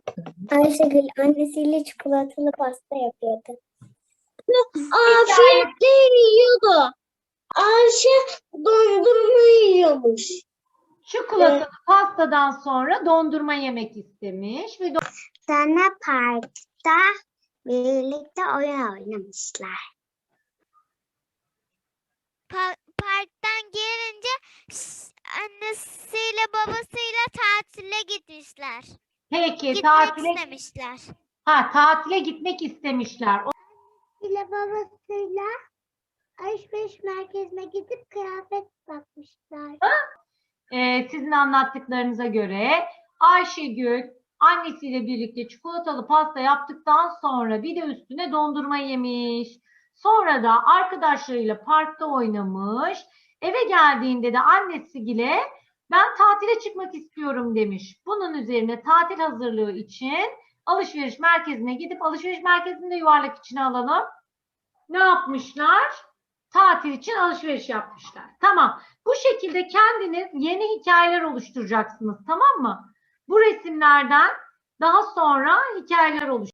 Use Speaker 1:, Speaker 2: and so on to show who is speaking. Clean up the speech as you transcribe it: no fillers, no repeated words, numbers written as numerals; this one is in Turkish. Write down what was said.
Speaker 1: Ayşegül annesiyle çikolatalı pasta yapıyordu.
Speaker 2: Afiyetle yiyordu. Ayşe dondurma yiyormuş.
Speaker 3: Çikolatalı pastadan sonra dondurma yemek istemiş ve
Speaker 1: Sonra parkta birlikte oyun oynamışlar.
Speaker 4: Parktan gelince annesiyle babasıyla tatile gitmişler.
Speaker 3: peki
Speaker 4: Gitmek
Speaker 3: tatile
Speaker 4: istemişler.
Speaker 3: tatile gitmek istemişler.
Speaker 1: ile babasıyla alışveriş merkezine gidip kıyafet bakmışlar.
Speaker 3: Sizin anlattıklarınıza göre Ayşegül annesiyle birlikte çikolatalı pasta yaptıktan sonra bir de üstüne dondurma yemiş. Sonra da arkadaşlarıyla parkta oynamış. Eve geldiğinde de annesiyle ben tatile çıkmak istiyorum demiş. Bunun üzerine tatil hazırlığı için alışveriş merkezine gidip alışveriş merkezinde yuvarlak içine alalım. Ne yapmışlar? Tatil için alışveriş yapmışlar. Tamam. Bu şekilde kendiniz yeni hikayeler oluşturacaksınız. Tamam mı? Bu resimlerden daha sonra hikayeler oluşturacaksınız.